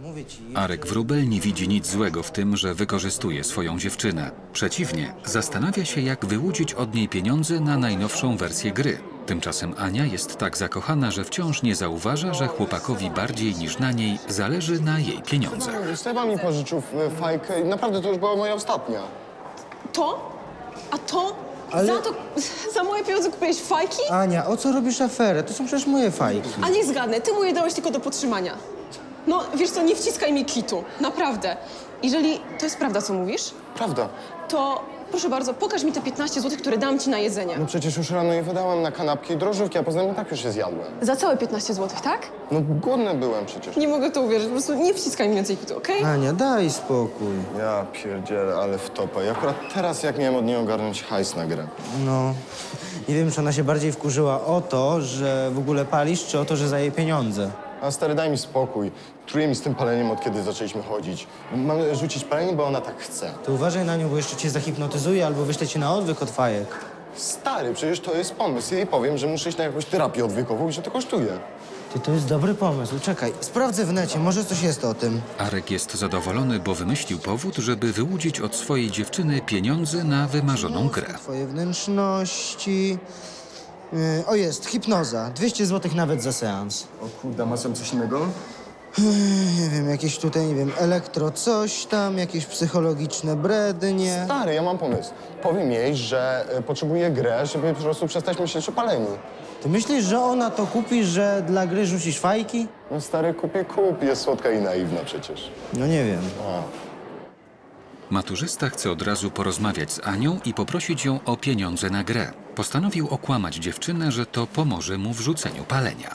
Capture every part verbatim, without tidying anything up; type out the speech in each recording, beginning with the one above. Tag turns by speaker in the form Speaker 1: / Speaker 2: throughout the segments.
Speaker 1: mówię ci.
Speaker 2: Arek Wróbel nie widzi nic złego w tym, że wykorzystuje swoją dziewczynę. Przeciwnie, zastanawia się, jak wyłudzić od niej pieniądze na najnowszą wersję gry. Tymczasem Ania jest tak zakochana, że wciąż nie zauważa, że chłopakowi bardziej niż na niej zależy na jej pieniądzach.
Speaker 3: Stefan mi pożyczył e, fajkę i naprawdę to już była moja ostatnia.
Speaker 4: To? A to?
Speaker 1: Ale-
Speaker 4: Za to, za moje pieniądze kupiłeś fajki?
Speaker 1: Ania, o co robisz aferę? To są przecież moje fajki.
Speaker 4: A niech zgadnę, ty mu je dałeś tylko do podtrzymania. No, wiesz co, nie wciskaj mi kitu, naprawdę. Jeżeli to jest prawda, co mówisz,
Speaker 3: Prawda.
Speaker 4: to proszę bardzo, pokaż mi te piętnaście złotych, które dam ci na jedzenie.
Speaker 3: No przecież już rano je wydałam na kanapki i drożdżówki, a poza tym i tak już je zjadłem.
Speaker 4: Za całe piętnaście złotych, tak?
Speaker 3: No głodny byłem przecież.
Speaker 4: Nie mogę to uwierzyć, po prostu nie wciskaj mi więcej kitu, okej?
Speaker 1: Ania, daj spokój.
Speaker 3: Ja pierdzielę, ale w topę. I akurat teraz jak miałem od niej ogarnąć hajs na grę.
Speaker 1: No, nie wiem, czy ona się bardziej wkurzyła o to, że w ogóle palisz, czy o to, że za jej pieniądze.
Speaker 3: A stary, daj mi spokój. Truje mi z tym paleniem, od kiedy zaczęliśmy chodzić. Mamy rzucić palenie, bo ona tak chce.
Speaker 1: To uważaj na nią, bo jeszcze cię zahipnotyzuje albo wyślę cię na odwyk od fajek.
Speaker 3: Stary, przecież to jest pomysł. Ja jej powiem, że muszę iść na jakąś terapię odwykową i że to kosztuje.
Speaker 1: Ty, to jest dobry pomysł. Czekaj, sprawdzę w necie, może coś jest o tym.
Speaker 2: Arek jest zadowolony, bo wymyślił powód, żeby wyłudzić od swojej dziewczyny pieniądze na wymarzoną grę.
Speaker 1: Twoje wnętrzności... Yy, o, jest, hipnoza. dwieście złotych nawet za seans.
Speaker 3: O kurde, masz tam coś innego?
Speaker 1: Nie wiem, jakieś tutaj, nie wiem, elektro coś tam, jakieś psychologiczne brednie.
Speaker 3: Stary, ja mam pomysł. Powiem jej, że y, potrzebuje grę, żeby po prostu przestać myśleć o paleniu.
Speaker 1: Ty myślisz, że ona to kupi, że dla gry rzucisz fajki?
Speaker 3: No stary, kupię kup. Jest słodka i naiwna przecież.
Speaker 1: No nie wiem.
Speaker 3: A.
Speaker 2: Maturzysta chce od razu porozmawiać z Anią i poprosić ją o pieniądze na grę. Postanowił okłamać dziewczynę, że to pomoże mu w rzuceniu palenia.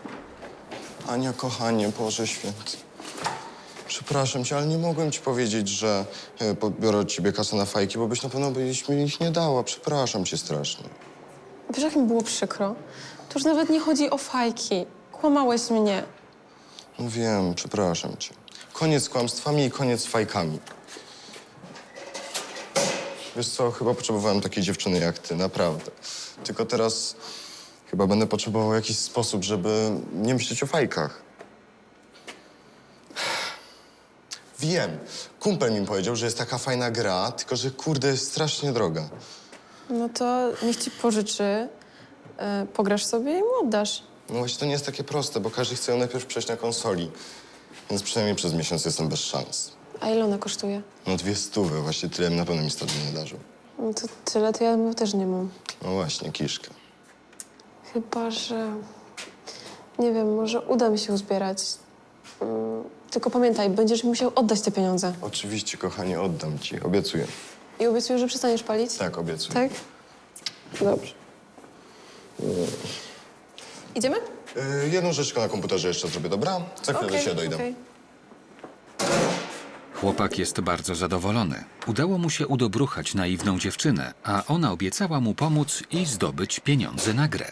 Speaker 3: Ania, kochanie, Boże Święty. Przepraszam cię, ale nie mogłem ci powiedzieć, że y, pobiorę od ciebie kasę na fajki, bo byś na pewno byś mi ich nie dała. Przepraszam cię strasznie.
Speaker 4: Wiesz, jak mi było przykro? To już nawet nie chodzi o fajki. Kłamałeś mnie.
Speaker 3: No wiem, przepraszam cię. Koniec z kłamstwami i koniec z fajkami. Wiesz co, chyba potrzebowałem takiej dziewczyny jak ty, naprawdę. Tylko teraz chyba będę potrzebował jakiś sposób, żeby nie myśleć o fajkach. Wiem, kumpel mi powiedział, że jest taka fajna gra, tylko że kurde jest strasznie droga.
Speaker 4: No to niech ci pożyczy, e, pograsz sobie i mu oddasz.
Speaker 3: No właśnie to nie jest takie proste, bo każdy chce ją najpierw przejść na konsoli. Więc przynajmniej przez miesiąc jestem bez szans.
Speaker 4: A ile ona kosztuje?
Speaker 3: No dwie stówy, właśnie tyle na pewno mi stąd nie darzył.
Speaker 4: No to tyle, to ja też nie mam.
Speaker 3: No właśnie, kiszkę.
Speaker 4: Chyba, że... Nie wiem, może uda mi się uzbierać. Mm, tylko pamiętaj, będziesz mi musiał oddać te pieniądze.
Speaker 3: Oczywiście, kochanie, oddam ci, obiecuję.
Speaker 4: I obiecuję, że przestaniesz palić?
Speaker 3: Tak, obiecuję.
Speaker 4: Tak? Dobrze. Idziemy?
Speaker 3: Yy, jedną rzecz tylko na komputerze jeszcze zrobię, dobra? Za chwilę do ciebie dojdę.
Speaker 4: okej.
Speaker 2: Chłopak jest bardzo zadowolony. Udało mu się udobruchać naiwną dziewczynę, a ona obiecała mu pomóc i zdobyć pieniądze na grę.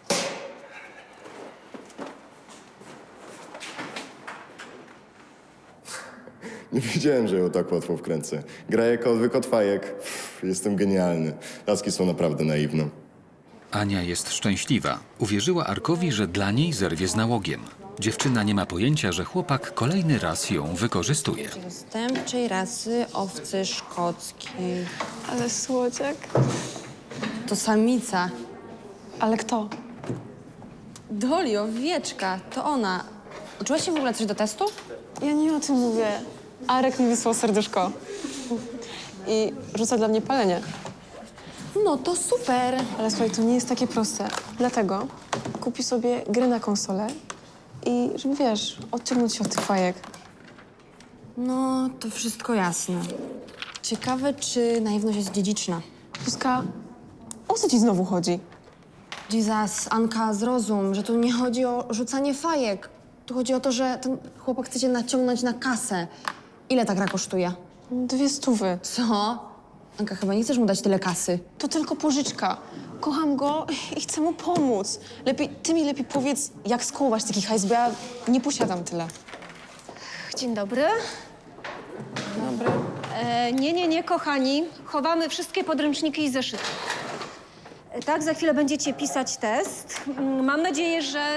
Speaker 3: Nie wiedziałem, że ją tak łatwo wkręcę. Gra jako odwyk od fajek. Pff, jestem genialny. Laski są naprawdę naiwne.
Speaker 2: Ania jest szczęśliwa. Uwierzyła Arkowi, że dla niej zerwie z nałogiem. Dziewczyna nie ma pojęcia, że chłopak kolejny raz ją wykorzystuje.
Speaker 5: Zastępczej rasy owcy szkockiej.
Speaker 4: Ale słodziak.
Speaker 5: To samica.
Speaker 4: Ale kto?
Speaker 5: Doli, owieczka, to ona. Uczyłaś się w ogóle coś do testu?
Speaker 4: Ja nie o tym mówię. Arek mi wysłał serduszko. I rzuca dla mnie palenie.
Speaker 5: No to super.
Speaker 4: Ale słuchaj, to nie jest takie proste. Dlatego kupi sobie grę na konsolę i żeby, wiesz, odciągnąć się od tych fajek.
Speaker 5: No, to wszystko jasne. Ciekawe, czy naiwność jest dziedziczna.
Speaker 4: Zuzka, o co ci znowu chodzi?
Speaker 5: Jesus, Anka, zrozum, że tu nie chodzi o rzucanie fajek. Tu chodzi o to, że ten chłopak chce cię naciągnąć na kasę. Ile ta gra kosztuje?
Speaker 4: Dwie stówy.
Speaker 5: Co? Anka, chyba nie chcesz mu dać tyle kasy.
Speaker 4: To tylko pożyczka. Kocham go i chcę mu pomóc. Lepiej, ty mi lepiej powiedz, jak skołować taki hajs, bo ja nie posiadam tyle.
Speaker 6: Dzień dobry.
Speaker 4: Dobra.
Speaker 6: E, nie, nie, nie, kochani. Chowamy wszystkie podręczniki i zeszyty. E, tak, za chwilę będziecie pisać test. Mm, Mam nadzieję, że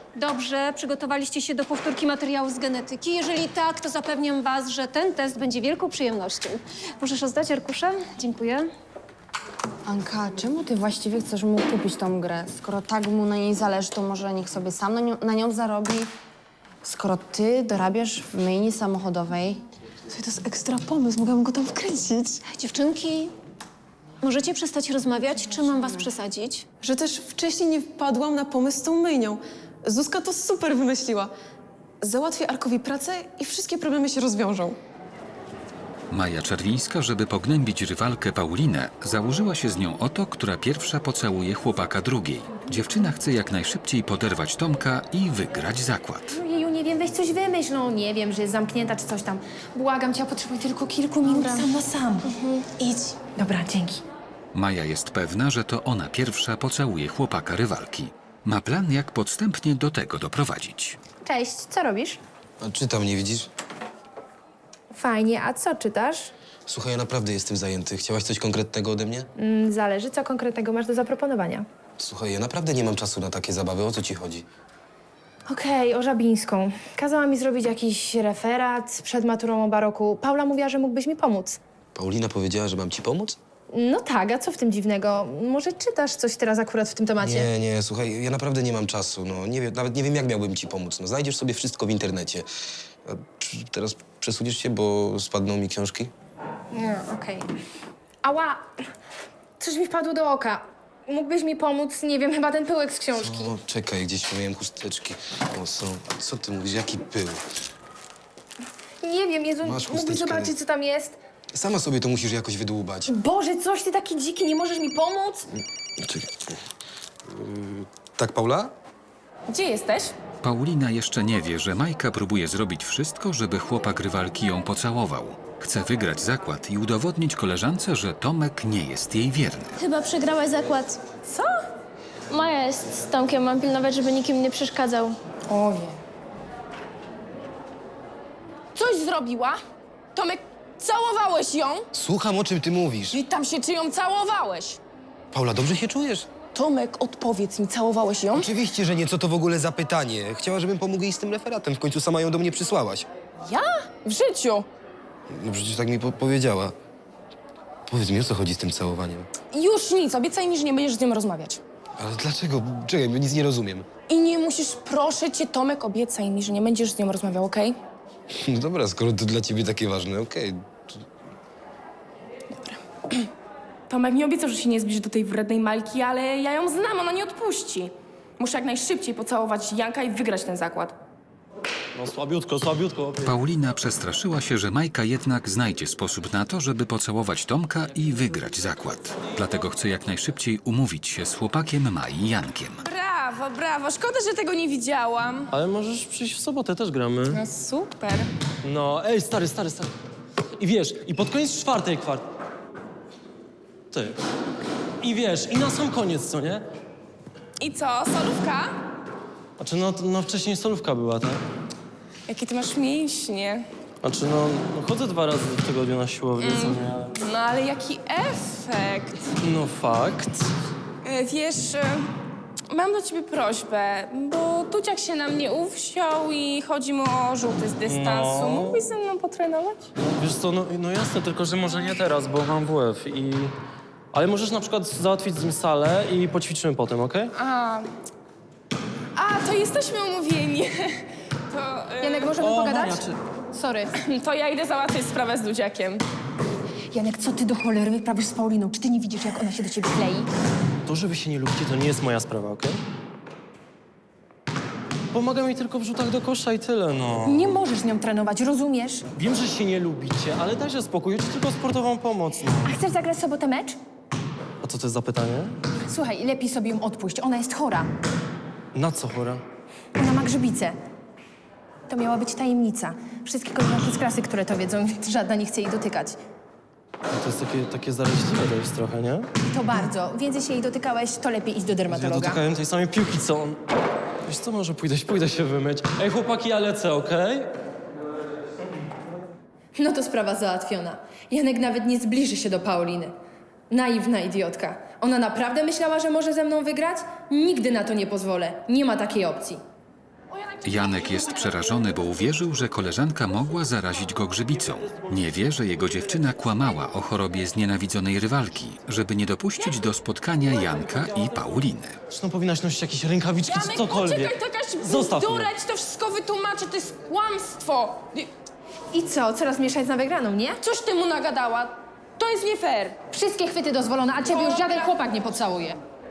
Speaker 6: Dobrze, przygotowaliście się do powtórki materiału z genetyki? Jeżeli tak, to zapewniam was, że ten test będzie wielką przyjemnością. Możesz rozdać arkusze? Dziękuję.
Speaker 5: Anka, czemu ty właściwie chcesz mu kupić tą grę? Skoro tak mu na niej zależy, to może niech sobie sam na nią, na nią zarobi. Skoro ty dorabiasz w myjni samochodowej,
Speaker 4: Słuchaj, to jest ekstra pomysł, mogłam go tam wkręcić.
Speaker 6: Dziewczynki, możecie przestać rozmawiać, czy mam was przesadzić?
Speaker 4: Że też wcześniej nie wpadłam na pomysł z tą myjnią. Zuzka to super wymyśliła. Załatwię Arkowi pracę i wszystkie problemy się rozwiążą.
Speaker 2: Maja Czerwińska, żeby pognębić rywalkę Paulinę, założyła się z nią o to, która pierwsza pocałuje chłopaka drugiej. Dziewczyna chce jak najszybciej poderwać Tomka i wygrać zakład.
Speaker 7: Jeju, nie wiem, weź coś wymyśl, no nie wiem, że jest zamknięta czy coś tam. Błagam cię, ja potrzebuję tylko kilku minut sam na sam. Idź. Dobra, dzięki.
Speaker 2: Maja jest pewna, że to ona pierwsza pocałuje chłopaka rywalki. Ma plan, jak podstępnie do tego doprowadzić.
Speaker 7: Cześć, co robisz?
Speaker 8: A czytam, nie widzisz?
Speaker 7: Fajnie, a co czytasz?
Speaker 8: Słuchaj, ja naprawdę jestem zajęty. Chciałaś coś konkretnego ode mnie?
Speaker 7: Mm, zależy, co konkretnego masz do zaproponowania.
Speaker 8: Słuchaj, ja naprawdę nie mam czasu na takie zabawy. O co ci chodzi?
Speaker 7: Okej, o Żabińską. Kazała mi zrobić jakiś referat przed maturą o baroku. Paula mówiła, że mógłbyś mi pomóc.
Speaker 8: Paulina powiedziała, że mam ci pomóc?
Speaker 7: No tak, a co w tym dziwnego? Może czytasz coś teraz akurat w tym temacie?
Speaker 8: Nie, nie, słuchaj, ja naprawdę nie mam czasu. No, nie wiem, nawet nie wiem, jak miałbym ci pomóc. No, znajdziesz sobie wszystko w internecie. A czy teraz przesuniesz się, bo spadną mi książki?
Speaker 7: No, okej. Ała! Coś mi wpadło do oka. Mógłbyś mi pomóc? Nie wiem, chyba ten pyłek z książki.
Speaker 8: O, czekaj, gdzieś miałem chusteczki. O, są. Co ty mówisz? Jaki pył?
Speaker 7: Nie wiem, Jezu,
Speaker 8: Masz
Speaker 7: mógłbyś
Speaker 8: chusteczkę.
Speaker 7: zobaczyć, co tam jest?
Speaker 8: Sama sobie to musisz jakoś wydłubać.
Speaker 7: Boże, coś ty taki dziki, nie możesz mi pomóc?
Speaker 8: Czekaj. Yy, tak, Paula?
Speaker 9: Gdzie jesteś?
Speaker 2: Paulina jeszcze nie wie, że Majka próbuje zrobić wszystko, żeby chłopak rywalki ją pocałował. Chce wygrać zakład i udowodnić koleżance, że Tomek nie jest jej wierny.
Speaker 10: Chyba przegrałaś zakład.
Speaker 9: Co?
Speaker 10: Maja jest z Tomkiem, mam pilnować, żeby nikim nie przeszkadzał.
Speaker 7: Oje.
Speaker 9: Coś zrobiła? Tomek, całowałeś ją?
Speaker 8: Słucham, o czym ty mówisz.
Speaker 9: Witam się, czy ją całowałeś?
Speaker 8: Paula, dobrze się czujesz?
Speaker 9: Tomek, odpowiedz mi, całowałeś ją?
Speaker 8: Oczywiście, że nie. Co to w ogóle za pytanie? Chciała, żebym pomógł jej z tym referatem. W końcu sama ją do mnie przysłałaś.
Speaker 9: Ja? W życiu.
Speaker 8: No przecież tak mi po powiedziała. Powiedz mi, o co chodzi z tym całowaniem?
Speaker 9: Już nic, obiecaj mi, że nie będziesz z nią rozmawiać.
Speaker 8: Ale dlaczego? Czekaj, bo nic nie rozumiem.
Speaker 9: I nie musisz, proszę cię, Tomek, obiecaj mi, że nie będziesz z nią rozmawiał, okej?
Speaker 8: No dobra, skoro to dla ciebie takie ważne, okej.
Speaker 11: Tomek mi obiecał, że się nie zbliży do tej wrednej Malki, ale ja ją znam, ona nie odpuści. Muszę jak najszybciej pocałować Janka i wygrać ten zakład.
Speaker 12: No słabiutko, słabiutko.
Speaker 2: Paulina przestraszyła się, że Majka jednak znajdzie sposób na to, żeby pocałować Tomka i wygrać zakład. Dlatego chce jak najszybciej umówić się z chłopakiem Mai Jankiem.
Speaker 11: Brawo, brawo. Szkoda, że tego nie widziałam.
Speaker 12: Ale możesz przyjść w sobotę, też gramy.
Speaker 11: No super.
Speaker 12: No, ej, stary, stary, stary. I wiesz, i pod koniec czwartej kwart... Ty. I wiesz, i na sam koniec, co nie?
Speaker 11: I co, solówka?
Speaker 12: Znaczy, no, no wcześniej solówka była, tak?
Speaker 11: Jakie ty masz mięśnie.
Speaker 12: Znaczy, no, no chodzę dwa razy w tygodniu na siłownię, co nie? Ale...
Speaker 11: No ale jaki efekt.
Speaker 12: No fakt.
Speaker 11: E, Wiesz, e, mam do ciebie prośbę, bo Tuciak się na mnie uwziął i chodzi mu o rzuty z dystansu.
Speaker 12: No.
Speaker 11: Mógłbyś ze mną potrenować?
Speaker 12: Wiesz co, no, no jasne, tylko że może nie teraz, bo mam W F i... Ale możesz na przykład załatwić z nim salę i poćwiczymy potem, okej?
Speaker 11: A, a to jesteśmy umówieni. To, e,
Speaker 7: Janek, możemy
Speaker 12: O,
Speaker 7: pogadać?
Speaker 12: Maja, czy-
Speaker 7: Sorry.
Speaker 11: to ja idę załatwić sprawę z Dudziakiem.
Speaker 7: Janek, co ty do cholery wyprawisz z Pauliną? Czy ty nie widzisz, jak ona się do ciebie klei?
Speaker 12: To, że wy się nie lubicie, to nie jest moja sprawa, okej? Pomaga mi tylko w rzutach do kosza i tyle, no.
Speaker 7: Nie możesz z nią trenować, rozumiesz?
Speaker 12: Wiem, że się nie lubicie, ale dajcie spokój, ja ci tylko sportową pomoc, no.
Speaker 7: A chcesz zagrać w sobotę mecz?
Speaker 12: A co to jest za pytanie?
Speaker 7: Słuchaj, lepiej sobie ją odpuść. Ona jest chora.
Speaker 12: Na co chora?
Speaker 7: Ona ma grzybicę. To miała być tajemnica. Wszystkie koleżanki z klasy, które to wiedzą, żadna nie chce jej dotykać.
Speaker 12: No to jest takie, takie zaraźliwe to jest trochę, nie?
Speaker 7: To bardzo. Więcej się jej dotykałeś, to lepiej iść do
Speaker 12: Ja
Speaker 7: dermatologa.
Speaker 12: dotykałem tej samej piłki, co on. Wiesz co, może pójdę, pójdę się wymyć. Ej, chłopaki, ja lecę, okej?
Speaker 7: No to sprawa załatwiona. Janek nawet nie zbliży się do Pauliny. Naiwna idiotka. Ona naprawdę myślała, że może ze mną wygrać? Nigdy na to nie pozwolę. Nie ma takiej opcji.
Speaker 2: Janek jest przerażony, bo uwierzył, że koleżanka mogła zarazić go grzybicą. Nie wie, że jego dziewczyna kłamała o chorobie znienawidzonej rywalki, żeby nie dopuścić do spotkania Janka i Pauliny.
Speaker 12: Zresztą powinnaś nosić jakieś rękawiczki czy
Speaker 11: Janek,
Speaker 12: cokolwiek.
Speaker 11: poczekaj, to jakaś
Speaker 12: Zostaw mnie.
Speaker 11: bzdura, ci to wszystko wytłumaczę, to jest kłamstwo.
Speaker 7: I co, coraz mieszać na wygraną, nie?
Speaker 11: Coś ty mu nagadała. To jest nie fair.
Speaker 7: Wszystkie chwyty dozwolone, a ciebie już żaden chłopak nie pocałuje.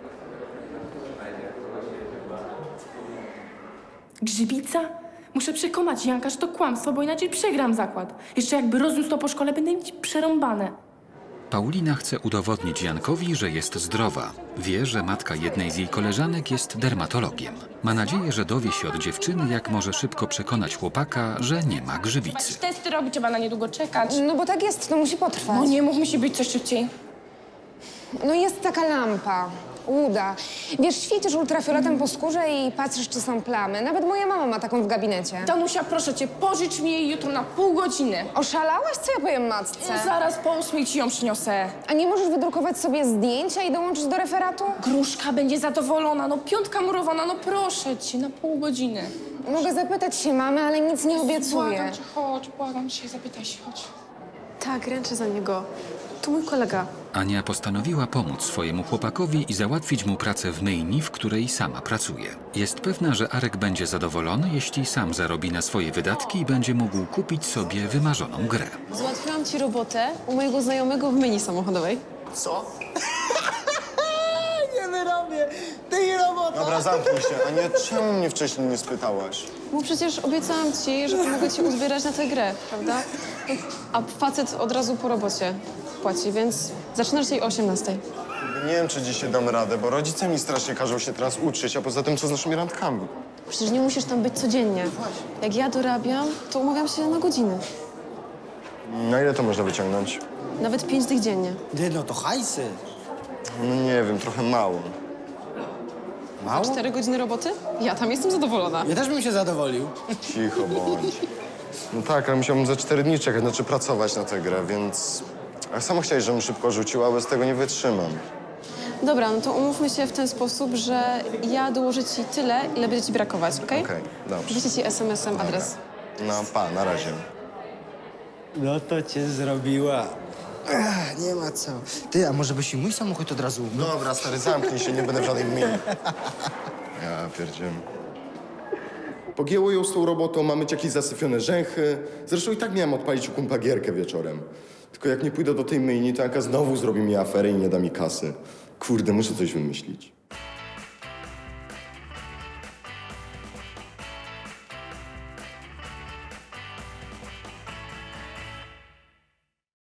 Speaker 11: Grzybica? Muszę przekonać Janka, że to kłamstwo, bo inaczej przegram zakład. Jeszcze jakby rozniósł to po szkole, będę mieć przerąbane.
Speaker 2: Paulina chce udowodnić Jankowi, że jest zdrowa. Wie, że matka jednej z jej koleżanek jest dermatologiem. Ma nadzieję, że dowie się od dziewczyny, jak może szybko przekonać chłopaka, że nie ma grzybicy.
Speaker 11: Testy robi, trzeba na niedługo czekać.
Speaker 5: No bo tak jest, to musi potrwać.
Speaker 11: No nie mów, musi być coś szybciej.
Speaker 5: No jest taka lampa, łuda. Wiesz, świecisz ultrafioletem po skórze i patrzysz, czy są plamy. Nawet moja mama ma taką w gabinecie.
Speaker 11: Danusia, proszę cię, pożycz mi jej jutro na pół godziny.
Speaker 5: Oszalałaś? Co ja powiem matce?
Speaker 11: Ja zaraz po ósmej ci ją przyniosę.
Speaker 5: A nie możesz wydrukować sobie zdjęcia i dołączyć do referatu?
Speaker 11: Gruszka będzie zadowolona, no piątka murowana, no proszę cię, na pół godziny.
Speaker 5: Mogę zapytać się mamy, ale nic nie obiecuję.
Speaker 11: Błagam cię, chodź, błagam cię, zapytaj się, chodź.
Speaker 4: Tak, ręczę za niego. To mój kolega.
Speaker 2: Ania postanowiła pomóc swojemu chłopakowi i załatwić mu pracę w myjni, w której sama pracuje. Jest pewna, że Arek będzie zadowolony, jeśli sam zarobi na swoje wydatki i będzie mógł kupić sobie wymarzoną grę.
Speaker 4: Załatwiłam ci robotę u mojego znajomego w myjni samochodowej.
Speaker 1: Co? Nie wyrobię! Ty i robota!
Speaker 3: Dobra, zamknij się. Ania, czemu mnie wcześniej nie spytałaś?
Speaker 4: Bo przecież obiecałam ci, że pomogę ci uzbierać na tę grę, prawda? A facet od razu po robocie płaci, więc zaczynasz jej o osiemnastej.
Speaker 3: Nie wiem, czy dzisiaj dam radę, bo rodzice mi strasznie każą się teraz uczyć, a poza tym co z naszymi randkami?
Speaker 4: Przecież nie musisz tam być codziennie. Jak ja dorabiam, to umawiam się na godziny.
Speaker 3: Na ile to można wyciągnąć?
Speaker 4: Nawet pięć dych dziennie.
Speaker 1: Ty, no to hajsy.
Speaker 3: No nie wiem, trochę mało.
Speaker 1: Mało?
Speaker 4: Cztery godziny roboty? Ja tam jestem zadowolona.
Speaker 1: Ja też bym się zadowolił.
Speaker 3: Cicho bądź. No tak, ale musiałbym za cztery dni czekać, znaczy pracować na tę grę, więc... A sama chciałeś, żebym szybko rzucił, a bez tego nie wytrzymam.
Speaker 4: Dobra, no to umówmy się w ten sposób, że ja dołożę ci tyle, ile będzie ci brakować, okej?
Speaker 3: Okej, dobrze.
Speaker 4: Wyślę ci es em esem adres.
Speaker 3: No pa, na razie.
Speaker 1: No to cię zrobiła. Ach, nie ma co. Ty, a może byś i mój samochód od razu umył?
Speaker 3: Dobra, stary, zamknij się, nie będę w żadnej gminie. Ja pierdzielę. Pogięło ją z tą robotą, mamy jakieś zasyfione rzęchy. Zresztą i tak miałem odpalić u kumpa gierkę wieczorem. Tylko jak nie pójdę do tej myjni, to Anka znowu zrobi mi aferę i nie da mi kasy. Kurde, muszę coś wymyślić.